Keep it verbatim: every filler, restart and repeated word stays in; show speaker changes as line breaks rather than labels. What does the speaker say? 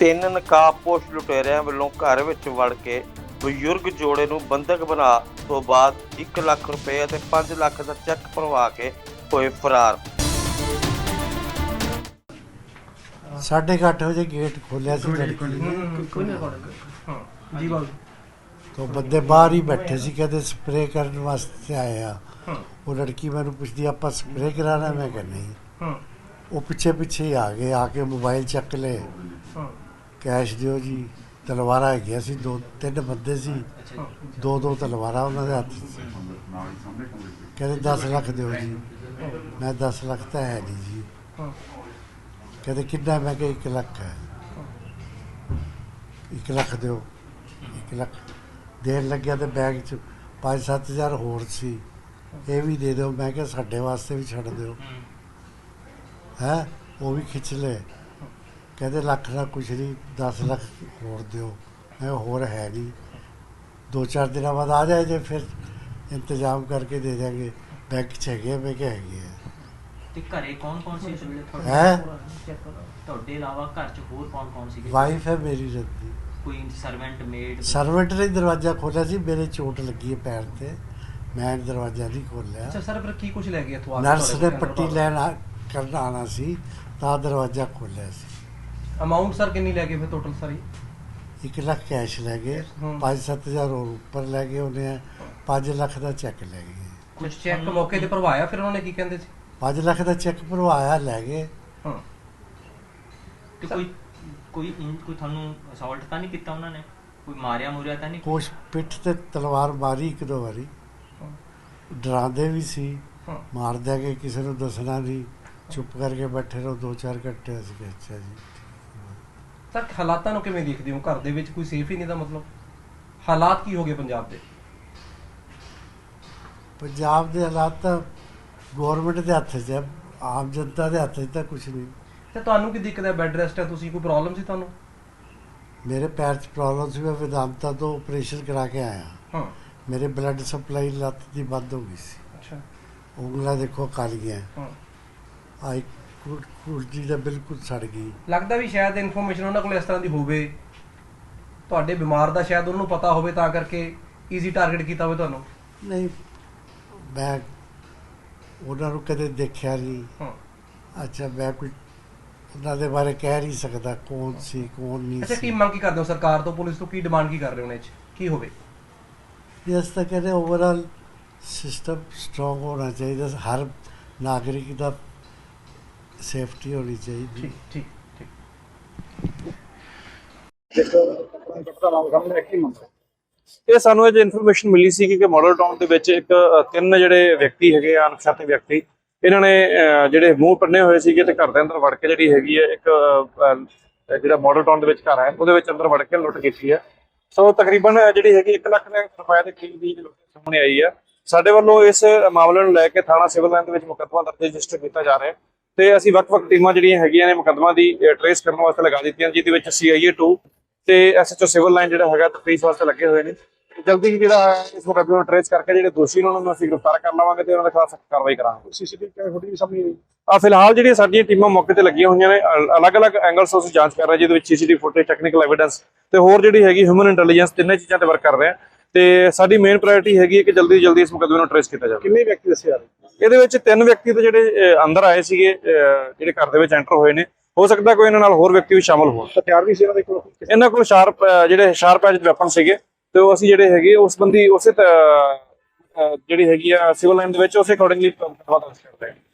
ਤਿੰਨ ਨਕਾਬਪੋਸ਼ ਲੁਟੇਰਿਆਂ ਵੱਲੋਂ ਘਰ ਵਿੱਚ ਵੜ ਕੇ ਬਜ਼ੁਰਗ ਜੋੜੇ ਨੂੰ ਬੰਧਕ ਬਣਾ ਤੋਂ ਬਾਅਦ ਇੱਕ ਲੱਖ ਰੁਪਏ ਅਤੇ ਪੰਜ ਲੱਖ ਦਾ ਚੈੱਕ ਭਰਵਾ ਕੇ ਹੋਏ ਫਰਾਰ।
साढ़े आठ बजे गेट खोलिया सी लड़की ने, तो बंदे बाहर ही बैठे सी, कहते स्प्रे करने वास्ते आए आ। वो लड़की मैंने पूछती आप स्प्रे कराना, मैं कह नहीं। वो पिछे पिछे ही आ गए, आके मोबाइल चक ले, कैश दिओ जी। तलवारा है सी, दो तीन बंदे सी, दो दो तलवारा उन्होंने हाथ च। कहते दस लख दिओ जी, मैं दस लख तो है नहीं जी। कहते कितना, मैं क्या एक लख है, एक लख दो, एक लख देन लग गया। तो बैग च पाँच सत्त हज़ार होर सी, ये भी दे दो। मैं क्या साढ़े वास्ते भी छड़ दो है, वो भी खिंच ले। कहते लख ना कुछ नहीं, दस लख होर दो। मैं होर है नहीं, दो चार दिन बाद आ जाए जे, फिर इंतजाम करके दे देंगे। बैंक च है, मैं क्या है वाइफ है मेरी रहती।
कोई सर्वेंट मेड
सर्वेंट ने दरवाजा खोलिया सी, मेरे चोट लगी है पैर ते, मैं दरवाजा नहीं खोलिया।
अच्छा सर, फिर की कुछ ले गया तो
नर्स ने पट्टी लैन करना आना सी, ता दरवाजा खोलिया सी।
अमाउंट सर कितनी ले गए फिर टोटल सारी?
एक लाख कैश ले गए, पाँच सत्त हज़ार और ऊपर ले गए, उन्हें पाँच लाख का चेक ले गए।
कुछ चेक मौके ते भरवाया फिर उन्होंने की कहंदे सी?
पाँच लाख का चेक भरवाया, ले गए।
हां
ਤੇ ਕੋਈ ਕੋਈ ਕੋਈ ਤੁਹਾਨੂੰ ਅਸੌਲਟ ਤਾਂ ਨਹੀਂ ਕੀਤਾ ਉਹਨਾਂ ਨੇ? ਕੋਈ ਮਾਰਿਆ ਮੁਰਿਆ ਤਾਂ ਨਹੀਂ?
कुछ पिठ ते तलवार मारी एक दो बारी, डरांदे भी सी, मार देंगे, किसी को दसना नहीं, चुप करके बैठे रहो। दो चार घंटे ਅਸੀਂ ਕਿਹਾ ਅੱਛਾ ਜੀ।
ਸਰ ਹਾਲਾਤਾਂ ਨੂੰ ਕਿਵੇਂ ਦੇਖਦੇ ਹੋ? ਘਰ ਦੇ ਵਿੱਚ ਕੋਈ ਸੇਫ ਹੀ ਨਹੀਂ ਦਾ ਮਤਲਬ ਹਾਲਾਤ ਕੀ ਹੋ ਗਏ ਪੰਜਾਬ ਦੇ?
ਪੰਜਾਬ ਦੇ ਹਾਲਾਤ ਤਾਂ ਗਵਰਨਮੈਂਟ ਦੇ ਹੱਥ 'ਚ ਹੈ, ਆਮ ਜਨਤਾ ਦੇ ਹੱਥ 'ਚ ਤਾਂ ਕੁਝ ਨਹੀਂ।
ਤੇ ਤੁਹਾਨੂੰ ਕੀ ਦਿੱਕਤ ਹੈ? ਬੈੱਡ ਰੈਸਟ ਹੈ, ਤੁਸੀਂ ਕੋਈ ਪ੍ਰੋਬਲਮ ਸੀ ਤੁਹਾਨੂੰ?
ਮੇਰੇ ਪੈਰ 'ਚ ਪ੍ਰੋਬਲਮ ਸੀ, ਮੈਂ ਵਿਦਾਂਤਾ ਤੋਂ ਆਪਰੇਸ਼ਨ ਕਰਾ ਕੇ ਆਇਆ।
ਹਾਂ,
ਮੇਰੇ ਬਲੱਡ ਸਪਲਾਈ ਲੱਤ ਦੀ ਬੰਦ ਹੋ ਗਈ ਸੀ।
ਅੱਛਾ,
ਉਂਗਲਾਂ ਦੇਖੋ ਕਾਲੀਆਂ,
ਹਾਂ।
ਆਈ ਕੁਰਜੀ ਦਾ ਬਿਲਕੁਲ ਸੜ ਗਈ।
ਲੱਗਦਾ ਵੀ ਸ਼ਾਇਦ ਇਨਫੋਰਮੇਸ਼ਨ ਉਹਨਾਂ ਕੋਲ ਇਸ ਤਰ੍ਹਾਂ ਦੀ ਹੋਵੇ, ਤੁਹਾਡੇ ਬਿਮਾਰ ਦਾ ਸ਼ਾਇਦ ਉਹਨਾਂ ਨੂੰ ਪਤਾ ਹੋਵੇ, ਤਾਂ ਕਰਕੇ ਈਜ਼ੀ ਟਾਰਗੇਟ ਕੀਤਾ ਹੋਵੇ ਤੁਹਾਨੂੰ।
ਨਹੀਂ, ਮੈਂ ਉਹਨਾਂ ਨੂੰ ਕਦੇ ਦੇਖਿਆ ਨਹੀਂ।
ਹਾਂ,
ਅੱਛਾ, ਮੈਂ ਕੋਈ ਉਹਨਾਂ ਦੇ ਬਾਰੇ ਕਹਿ ਨਹੀਂ ਸਕਦਾ ਕੌਣ ਸੀ ਕੌਣ ਨਹੀਂ
ਅੱਛਾ। ਕੀ
ਸੀ।
ਮੰਗ ਕੀ ਕਰਦੇ ਹੋ ਸਰਕਾਰ ਤੋਂ, ਪੁਲਿਸ ਤੋਂ? ਕੀ ਡਿਮਾਂਡ ਕੀ ਕਰ ਰਹੇ ਹੋ ਉਹਨਾਂ 'ਚ ਕੀ ਹੋਵੇ?
ਇਸ ਤਾਂ ਕਹਿੰਦੇ ਓਵਰਆਲ ਸਿਸਟਮ ਸਟਰੋਂਗ ਹੋਣਾ ਚਾਹੀਦਾ, ਹਰ ਨਾਗਰਿਕ ਦਾ ਸੇਫਟੀ ਹੋਣੀ ਚਾਹੀਦੀ।
ਠੀਕ ਠੀਕ ਠੀਕ।
ਇਹ ਸਾਨੂੰ ਇਹ ਇਨਫੋਰਮੇਸ਼ਨ ਮਿਲੀ ਸੀ ਕਿ ਮਾਡਲ ਟਾਊਨ ਦੇ ਵਿੱਚ ਇੱਕ ਤਿੰਨ ਜਿਹੜੇ ਵਿਅਕਤੀ ਹੈਗੇ ਆ, ਅਣਪਛਾਤੇ ਵਿਅਕਤੀ, ਇਹਨਾਂ ਨੇ ਜਿਹੜੇ ਮੂੰਹ ਪੰਨੇ ਹੋਏ ਸੀਗੇ ਤੇ ਘਰ ਦੇ ਅੰਦਰ ਵੜ ਕੇ ਜਿਹੜੀ ਹੈਗੀ ਹੈ ਇੱਕ ਜਿਹੜਾ ਮਾਡਲ ਟਾਊਨ ਦੇ ਵਿੱਚ ਘਰ ਹੈ ਉਹਦੇ ਵਿੱਚ ਅੰਦਰ ਵੜ ਕੇ ਲੁੱਟ ਕੀਤੀ ਹੈ। ਸੋ ਤਕਰੀਬਨ ਜਿਹੜੀ ਹੈਗੀ ਇੱਕ ਲੱਖ ਰੁਪਏ ਦੇ ਕਰੀਬ ਦੀ ਲੁੱਟ ਸਾਹਮਣੇ ਆਈ ਹੈ। ਸਾਡੇ ਵੱਲੋਂ ਇਸ ਮਾਮਲੇ ਨੂੰ ਲੈ ਕੇ ਥਾਣਾ ਸਿਵਲ ਲਾਈਨ ਦੇ ਵਿੱਚ ਮੁਕੱਦਮਾ ਦਰਜ ਰਜਿਸਟਰ ਕੀਤਾ ਜਾ ਰਿਹਾ ਹੈ ਤੇ ਅਸੀਂ ਵੱਖ-ਵੱਖ ਟੀਮਾਂ ਜਿਹੜੀਆਂ ਹੈਗੀਆਂ ਨੇ ਮੁਕੱਦਮਾ ਦੀ ਟ੍ਰੇਸ ਕਰਨ ਵਾਸਤੇ ਲਗਾ ਦਿੱਤੀਆਂ, ਜਿਹਦੇ ਵਿੱਚ ਸੀ ਆਈ ਏ ਟੂ ਤੇ S H O civil line ਜਿਹੜਾ ਹੈਗਾ ਤਫਤੀਸ਼ ਵਾਸਤੇ ਲੱਗੇ ਹੋਏ ਨੇ। ਜਲਦੀ ਹੀ ਜਿਹੜਾ ਇਸ ਮੁਕੱਦਮੇ ਨੂੰ ਟ੍ਰੇਸ ਕਰਕੇ ਜਿਹੜੇ ਦੋਸ਼ੀ ਨੇ ਉਹਨਾਂ ਨੂੰ ਅਸੀਂ ਗ੍ਰਿਫਤਾਰ ਕਰ ਲਵਾਂਗੇ ਤੇ ਉਹਨਾਂ ਦੇ ਖਿਲਾਫ ਸਖਤ ਕਾਰਵਾਈ ਕਰਾਂਗੇ। ਸੀਸੀਟੀਵੀ ਫੁਟੇਜ ਸਾਹਮਣੇ ਆਈ ਆ, ਫਿਲਹਾਲ ਜਿਹੜੀਆਂ ਸਾਡੀਆਂ ਟੀਮਾਂ ਮੌਕੇ ਤੇ ਲੱਗੀਆਂ ਹੋਈਆਂ ਨੇ, ਅਲੱਗ-ਅਲੱਗ ਐਂਗਲਸ ਤੋਂ ਅਸੀਂ ਜਾਂਚ ਕਰ ਰਹੇ, ਜਿਹਦੇ ਵਿੱਚ ਸੀਸੀਟੀਵੀ ਫੁਟੇਜ, ਟੈਕਨੀਕਲ ਐਵੀਡੈਂਸ ਤੇ ਹੋਰ ਜਿਹੜੀ ਹੈਗੀ ਹਿਊਮਨ ਇੰਟੈਲੀਜੈਂਸ, ਤਿੰਨੇ ਚੀਜ਼ਾਂ ਤੇ ਵਰਕ ਕਰ ਰਹੇ ਆ ਤੇ ਸਾਡੀ ਮੇਨ ਪ੍ਰਾਇੋਰਟੀ ਹੈਗੀ ਹੈ ਕਿ ਜਲਦੀ ਤੋਂ ਜਲਦੀ ਇਸ ਮੁਕੱਦਮੇ ਨੂੰ ਟ੍ਰੇਸ ਕੀਤਾ ਜਾਵੇ। ਕਿੰਨੇ ਵਿਅਕਤੀ ਦੱਸੇ ਜਾ ਰਹੇ? ਇਹਦੇ ਵਿੱਚ ਤਿੰਨ ਵਿਅਕਤੀ ਤੇ ਜਿਹੜੇ ਅੰਦਰ ਆਏ ਸੀਗੇ, ਜਿਹੜੇ ਘਰ ਦੇ ਵਿੱਚ ਐਂਟਰ ਹੋਏ ਨੇ, ਹੋ ਸਕਦਾ ਕੋਈ ਇਹਨਾਂ ਨਾਲ ਹੋਰ ਵਿਅਕਤੀ ਵੀ ਸ਼ਾਮਲ ਹੋਣ। ਹਥਿਆਰ ਵੀ ਸੀ ਇਹਨਾਂ ਦੇ ਕੋਲ? ਇਹਨਾਂ ਕੋਲ ਸ਼ਾਰਪ ਜਿਹੜੇ ਸ਼ਾਰਪ ਐਜ ਵੈਪਨ ਸੀਗੇ ਤੇ ਉਹ ਅਸੀਂ ਜਿਹੜੇ ਹੈਗੇ ਉਸ ਬੰਦੀ ਉਸੇ ਜਿਹੜੀ ਹੈਗੀ ਆ ਸਿਵਲ ਲਾਈਨ ਦੇ ਵਿੱਚ ਉਸੇ ਅਕੋਰਡਿੰਗਲੀ ਕਰਦੇ ਹਾਂ।